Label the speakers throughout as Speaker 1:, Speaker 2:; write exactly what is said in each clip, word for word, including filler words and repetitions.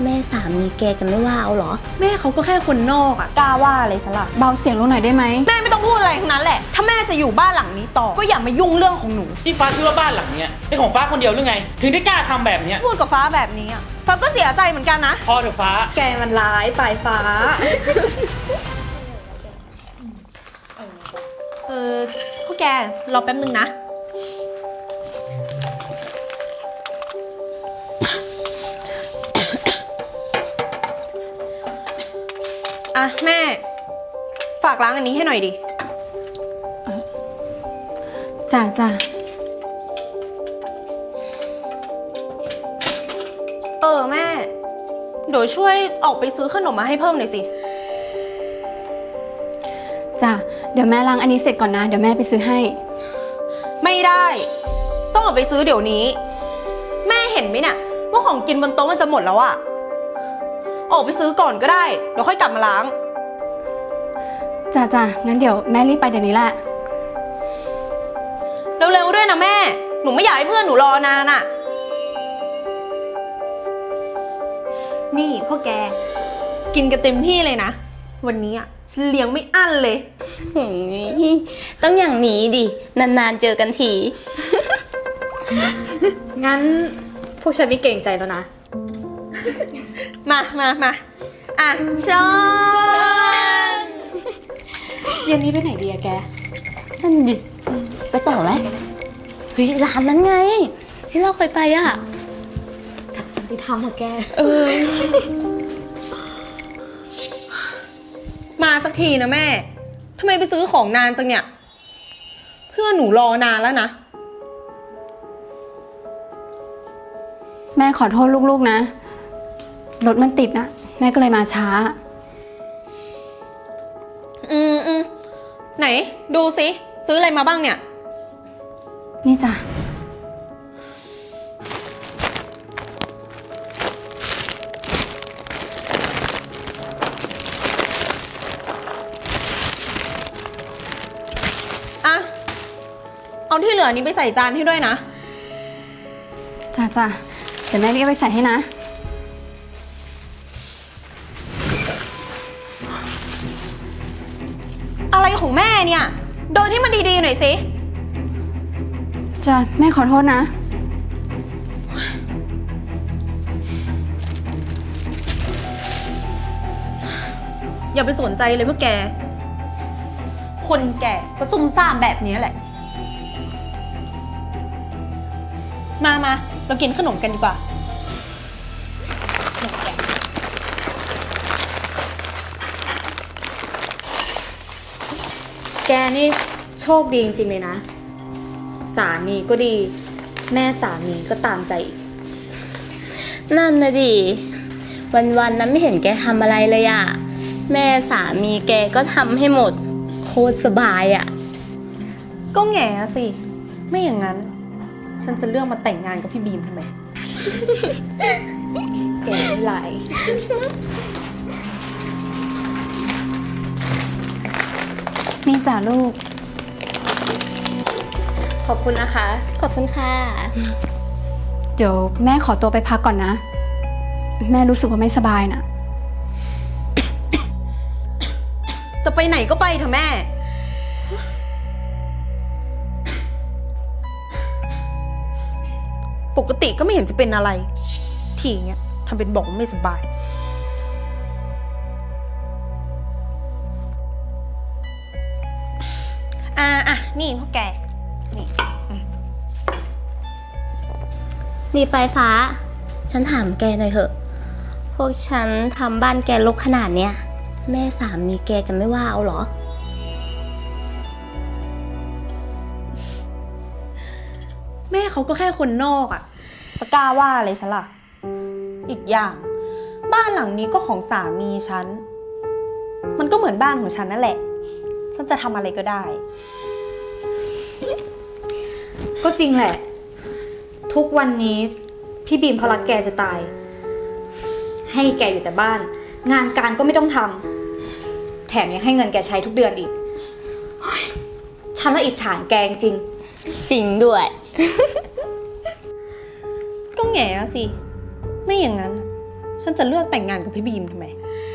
Speaker 1: แม่สามีแกจะไม่ว่าเอาเหรอ
Speaker 2: แม่เขาก็แค่คนนอกอะกล้าว่าอะไรฉันล่ะ
Speaker 3: เบาเสียงลงหน่อยได้ไหม
Speaker 2: แม่ไม่ต้องพูดอะไรทั้งนั้นแหละถ้าแม่จะอยู่บ้านหลังนี้ต่อก็อย่ามายุ่งเรื่องของหนู
Speaker 4: ที่ฟ้าคิดว่าบ้านหลังเนี้ยเป็นของฟ้าคนเดียวหรือไงถึงได้กล้าทำแบบเนี้ย
Speaker 2: พูดกับฟ้าแบบนี้อะฟ้าก็เสียใจเหมือนกันนะ
Speaker 4: พอเถอะฟ้า
Speaker 3: แกมันร้ายปลายฟ้า
Speaker 2: เออพวกแกรอแป๊บนึงนะอ่ะแม่ฝากล้างอันนี้ให้หน่อยดิ
Speaker 3: จ้าจ้า
Speaker 2: เออแม่เดี๋ยวช่วยออกไปซื้อขนมมาให้เพิ่มหน่อยสิ
Speaker 3: จ้าเดี๋ยวแม่ล้างอันนี้เสร็จก่อนนะเดี๋ยวแม่ไปซื้อให้
Speaker 2: ไม่ได้ต้องออกไปซื้อเดี๋ยวนี้แม่เห็นไหมเนี่ยว่าของกินบนโต๊ะมันจะหมดแล้วอะออกไปซื้อก่อนก็ได้เดี๋ยวค่อยกลับมาล้าง
Speaker 3: จ้าจ้างั้นเดี๋ยวแม่รีบไปเดี๋ยวนี้แหละ
Speaker 2: เร็วๆด้วยนะแม่หนูไม่อยากให้เพื่อนหนูรอนานอะนี่พ่อแกกินกันเต็มที่เลยนะวันนี้อะฉันเลี้ยงไม่อั้นเลย
Speaker 1: ต้องอย่างนี้ดินานๆเจอกันที
Speaker 3: งั้นพวกฉันไม่เก่งใจแล้วนะ
Speaker 2: มามามาอ่ะชน
Speaker 3: เย็นนี้ไปไหนดีอะแก
Speaker 1: นั่นดิไปต่อไหมเฮ้ยร้านนั้นไงที่เราเคยไปอะ
Speaker 3: ทักษะที่ทำเหรอแก
Speaker 1: เออ
Speaker 2: มาสักทีนะแม่ทำไมไปซื้อของนานจังเนี่ยเพื่อนหนูรอนานแล้วนะ
Speaker 3: แม่ขอโทษลูกๆนะรถมันติดนะแม่ก็เลยมาช้า
Speaker 2: อืมอืมไหนดูสิซื้ออะไรมาบ้างเนี่ย
Speaker 3: นี่จ้ะ
Speaker 2: อ่ะเอาที่เหลือนี้ไปใส่จานให้ด้วยนะ
Speaker 3: จ้ะจ้ะเดี๋ยวแม่รีบไปใส่ให้นะ
Speaker 2: อะไรของแม่เนี่ยโดนให้มันดีๆหน่อยสิ
Speaker 3: จ้ะแม่ขอโทษนะ
Speaker 2: อย่าไปสนใจเลยพวกแกคนแก่ก็ซุ่มซ่ามแบบนี้แหละมามาเรากินขนมกันดีกว่า
Speaker 3: แกนี่โชคดีจริงๆเลยนะสามีก็ดีแม่สามีก็ตามใจอีก
Speaker 1: นั่นนะดิวันๆนั้นไม่เห็นแกทำอะไรเลยอะแม่สามีแกก็ทำให้หมดโคตรสบายอะ
Speaker 2: ก็แง่สิไม่อย่างนั้นฉันจะเลือกมาแต่งงานกับพี่บีมทำไม
Speaker 3: แกไม่ไหลนี่จ้ะลูก
Speaker 1: ขอบคุณนะคะขอบคุณค่ะ
Speaker 3: เดี๋ยวแม่ขอตัวไปพักก่อนนะแม่รู้สึกว่าไม่สบายนะ
Speaker 2: จะไปไหนก็ไปเถอะแม่ปกติก็ไม่เห็นจะเป็นอะไรทีเงี้ยทำเป็นบอกว่าไม่สบายอ่าอ่ะนี่พวกแกนี่
Speaker 1: นี่ปลายฟ้าฉันถามแกหน่อยเถอะพวกฉันทำบ้านแกรกขนาดเนี้ยแม่สามีแกจะไม่ว่าเอาเหรอ
Speaker 2: แม่เขาก็แค่คนนอกอะจะกล้าว่าอะไรฉันล่ะอีกอย่างบ้านหลังนี้ก็ของสามีฉันมันก็เหมือนบ้านของฉันนั่นแหละฉันจะทำอะไรก็ได้
Speaker 3: ก็จริงแหละทุกวันนี้พี่บีมเขารักแกจะตายให้แกอยู่แต่บ้านงานการก็ไม่ต้องทำแถมยังให้เงินแกใช้ทุกเดือนอีกฉันละอิจฉาแกจริง
Speaker 1: จริงด้วย
Speaker 2: ก็แง่สิไม่อย่างนั้นฉันจะเลือกแต่งงานกับพี่บีมทำไม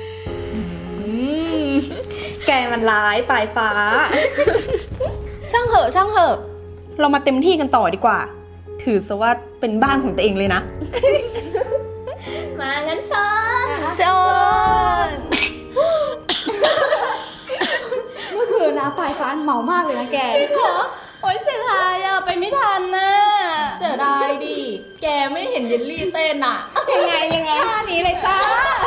Speaker 3: แกมันร้ายปลายฟ้า
Speaker 2: ช่างเหอะช่างเหอะ เรามาเต็มที่กันต่อดีกว่า ถือซะว่าเป็นบ้านของตัวเองเลยนะ
Speaker 1: มางั้นชน
Speaker 2: เชิญ
Speaker 3: เมื่อคืนนะปลายฟ้าเมามากเลยนะแก
Speaker 1: โอ๊ยเสียดายอะไปไม่ทันนะ
Speaker 2: เสียดายดิ แกไม่เห็นเยลลี่เต้นอ่ะ
Speaker 3: ยังไงยังไงท่านี้เลยจ้า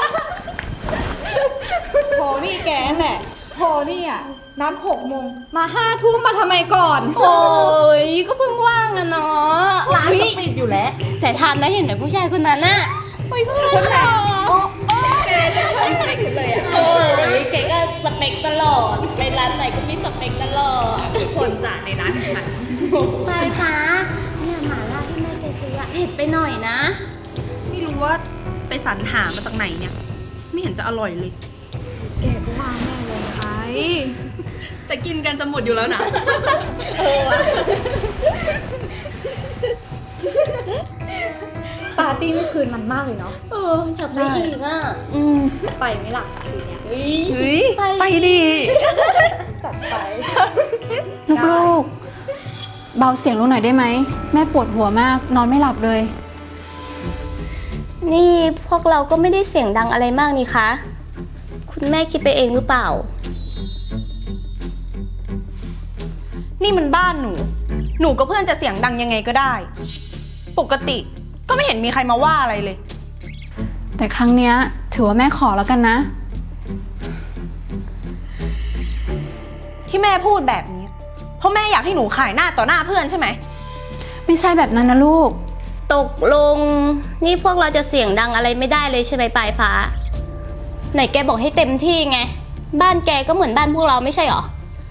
Speaker 3: โทนี่แกนั่นแหละโทนี่อ่ะนัดหกโมงมาห้าทุ่มมาทำไมก่อน
Speaker 1: โอ้ยก็เพิ่งว่างอะเนาะ
Speaker 2: ร้านก็ปิดอยู่แล้ว
Speaker 1: แต่ทำนะเห็นไหมผู้ชายคนนั้นน่ะโอ้ยคนไหน
Speaker 3: แกจะชนอะไรฉันเลยอ่ะ
Speaker 1: โอ้ยเก๋ก็สเปคตลอดไปร้านไหนก็มีสเปคตลอด
Speaker 3: คนจ่าในร้านฉัน
Speaker 1: ปลายฟ้าเนี่ยหมาล่าที่แม่แกซื้ออะเผ็ดไปหน่อยนะ
Speaker 2: ไม่รู้ว่าไปสรรหามาจากไหนเนี่ย ไม่เห็นจะอร่อยเลย
Speaker 3: แกก็ว่าแม่ลงไป
Speaker 2: แต่กินกันจะหมดอยู่แล้วนะ
Speaker 3: ปาร์ตี้เมื่อคืนมันมากเลยเนาะ
Speaker 1: เอออยากไปอีกอ่ะ
Speaker 2: อืม
Speaker 3: ไปไหมล่ะคืนเนี้ย
Speaker 1: เฮ้ย
Speaker 2: เฮ้ย ไปดิ
Speaker 3: จัดไป
Speaker 5: ลูกๆ เบาเสียงลงหน่อยได้ไหม แม่ปวดหัวมาก นอนไม่หลับเลย
Speaker 1: นี่พวกเราก็ไม่ได้เสียงดังอะไรมากนี่คะ คุณแม่คิดไปเองหรือเปล่า
Speaker 2: นี่มันบ้านหนู หนูกับเพื่อนจะเสียงดังยังไงก็ได้ ปกติก็ไม่เห็นมีใครมาว่าอะไรเลย
Speaker 5: แต่ครั้งเนี้ยถือว่าแม่ขอแล้วกันนะ
Speaker 2: ที่แม่พูดแบบนี้ เพราะแม่อยากให้หนูขายหน้าต่อหน้าเพื่อนใช่ไหม
Speaker 5: ไม่ใช่แบบนั้นนะลูก
Speaker 1: ตกลง นี่พวกเราจะเสียงดังอะไรไม่ได้เลยใช่ไหมปลายฟ้า ไหนแกบอกให้เต็มที่ไง บ้านแกก็เหมือนบ้านพวกเราไม่ใช่หรอ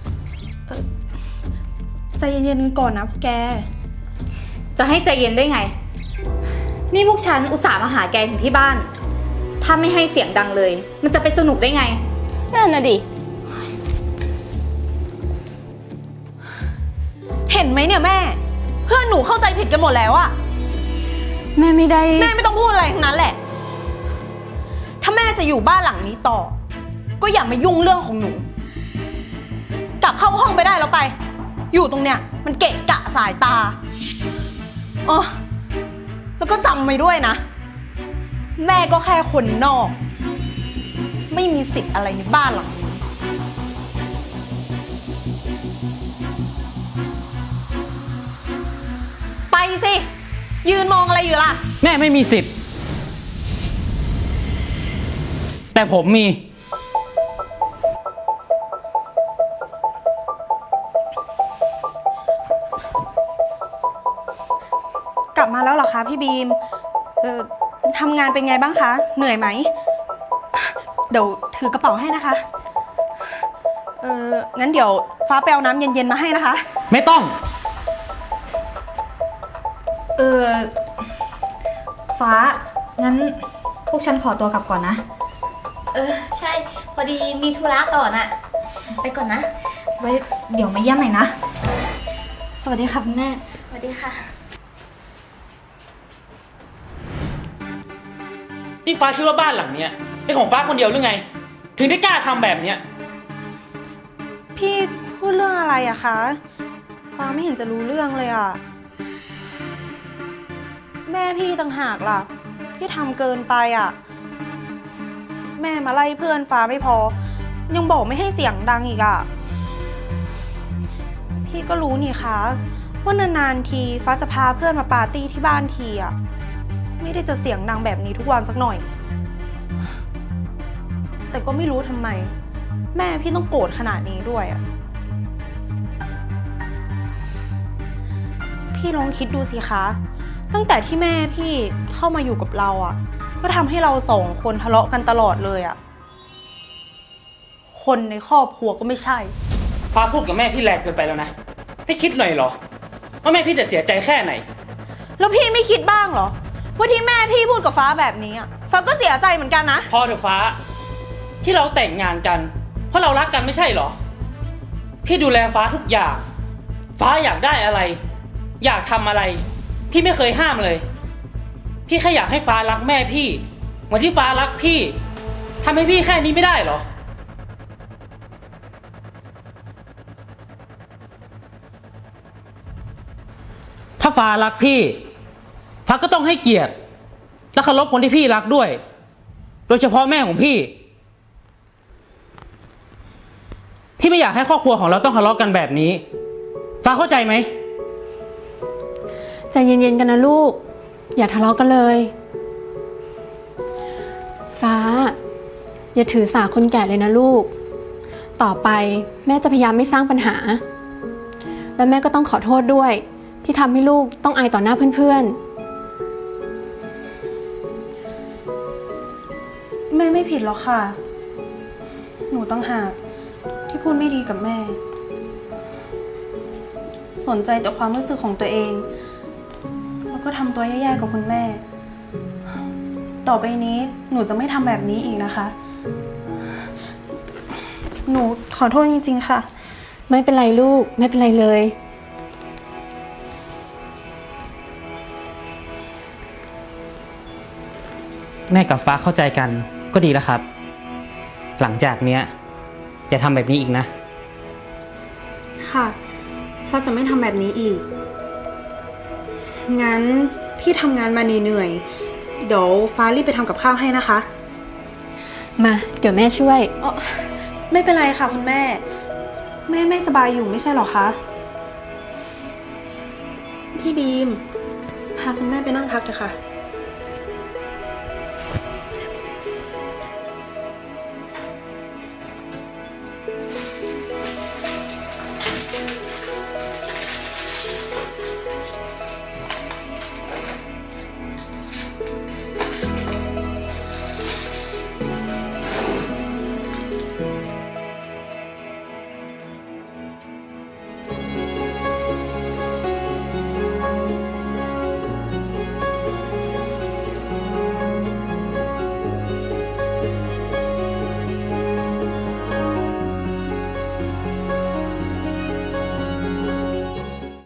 Speaker 2: ใจเย็นๆกันก่อนนะพวกแก
Speaker 3: จะให้ใจเย็นได้ไง นี่พวกฉันอุตส่าห์มาหาแกถึงที่บ้าน ถ้าไม่ให้เสียงดังเลย มันจะไปสนุกได้ไง
Speaker 1: นั่นน่ะดิ
Speaker 2: เห็นไหมเนี่ยแม่ เพื่อนหนูเข้าใจผิดกันหมดแล้วอะ
Speaker 5: แม่ไม่ได้
Speaker 2: แม่ไม่ต้องพูดอะไรทั้งนั้นแหละ ถ้าแม่จะอยู่บ้านหลังนี้ต่อ ก็อย่ามายุ่งเรื่องของหนู กลับเข้าห้องไปได้แล้วไป อยู่ตรงเนี้ยมันเกะกะสายตาอ๋อแล้วก็จำไว้ด้วยนะ แม่ก็แค่คนนอก ไม่มีสิทธิ์อะไรในบ้านหลังนี้ ไปสิ ยืนมองอะไรอยู่ล่ะ
Speaker 4: แม่ไม่มีสิทธิ์ แต่ผมมี
Speaker 2: กลับมาแล้วเหรอคะพี่บีม เอ่อทำงานเป็นไงบ้างคะ เหนื่อยไหม เดี๋ยวถือกระเป๋าให้นะคะ เอองั้นเดี๋ยวฟ้าไปเอาน้ำเย็นๆมาให้นะคะ
Speaker 4: ไม่ต้อง
Speaker 3: เออ ฟ้า งั้นพวกฉันขอตัวกลับก่อนนะ
Speaker 1: เออ ใช่ พอดีมีธุระต่อน่ะ ไปก่อนนะ
Speaker 3: ไว้เดี๋ยวมาเยี่ยมใหม่นะ สวัสดีค่ะคุณแม่
Speaker 1: สวัสดีค่ะ
Speaker 4: นี่ฟ้าคิดว่าบ้านหลังเนี้ยเป็นของฟ้าคนเดียวหรือไง ถึงได้กล้าทำแบบเนี้ย
Speaker 2: พี่พูดเรื่องอะไรอะคะ ฟ้าไม่เห็นจะรู้เรื่องเลยอะแม่พี่ต่างหากล่ะ ที่ทำเกินไปอะแม่มาไล่เพื่อนฟ้าไม่พอ ยังบอกไม่ให้เสียงดังอีกอะพี่ก็รู้นี่คะว่านานๆทีฟ้าจะพาเพื่อนมาปาร์ตี้ที่บ้านทีอะไม่ได้จะเสียงดังแบบนี้ทุกวันสักหน่อย แต่ก็ไม่รู้ทำไม แม่พี่ต้องโกรธขนาดนี้ด้วยอะพี่ลองคิดดูสิคะ ตั้งแต่ที่แม่พี่เข้ามาอยู่กับเราอะก็ทำให้เราสองคนทะเลาะกันตลอดเลยอะคนในครอบครัวก็ไม่ใช่
Speaker 4: ฟ้าพูดกับแม่พี่แรงเกินไปแล้วนะ ไม่คิดหน่อยเหรอ ว่าแม่พี่จะเสียใจแค่ไหน
Speaker 2: แล้วพี่ไม่คิดบ้างเหรอ ว่าที่แม่พี่พูดกับฟ้าแบบนี้อะฟ้าก็เสียใจเหมือนกันนะ
Speaker 4: พอเถอะฟ้า ที่เราแต่งงานกัน เพราะเรารักกันไม่ใช่เหรอ พี่ดูแลฟ้าทุกอย่าง ฟ้าอยากได้อะไร อยากทำอะไร พี่ไม่เคยห้ามเลย พี่แค่อยากให้ฟ้ารักแม่พี่เหมือนที่ฟ้ารักพี่ทำให้พี่แค่นี้ไม่ได้เหรอ ถ้าฟ้ารักพี่ ฟ้าก็ต้องให้เกียรติและเคารพคนที่พี่รักด้วย โดยเฉพาะแม่ของพี่ พี่ไม่อยากให้ครอบครัวของเราต้องทะเลาะกันแบบนี้ ฟ้าเข้าใจไหม
Speaker 5: ใจเย็นๆกันนะลูก อย่าทะเลาะกันเลย ฟ้า อย่าถือสาคนแก่เลยนะลูก ต่อไปแม่จะพยายามไม่สร้างปัญหา และแม่ก็ต้องขอโทษด้วย ที่ทำให้ลูกต้องอายต่อหน้าเพื่อนๆ
Speaker 2: แม่ไม่ผิดหรอกค่ะ หนูต้องหากที่พูดไม่ดีกับแม่ สนใจแต่ความรู้สึกของตัวเอง แล้วก็ทำตัวแย่ๆกับคุณแม่ ต่อไปนี้หนูจะไม่ทำแบบนี้อีกนะคะ หนูขอโทษจริงๆค่ะ
Speaker 5: ไม่เป็นไรลูก ไม่เป็นไรเลย
Speaker 4: แม่กับฟ้าเข้าใจกันก็ดีแล้วครับ หลังจากเนี้ยอย่าทำแบบนี้อีกนะ
Speaker 2: ค่ะ ฟ้าจะไม่ทำแบบนี้อีก งั้นพี่ทำงานมาเหนื่อยๆเดี๋ยวฟ้ารีบไปทำกับข้าวให้นะคะ
Speaker 5: มา เดี๋ยวแม่ช่วย
Speaker 2: อ๋อไม่เป็นไรค่ะคุณแม่ แม่ไม่สบายอยู่ไม่ใช่หรอคะ พี่บีม พาคุณแม่ไปนั่งพักเถอะค่ะ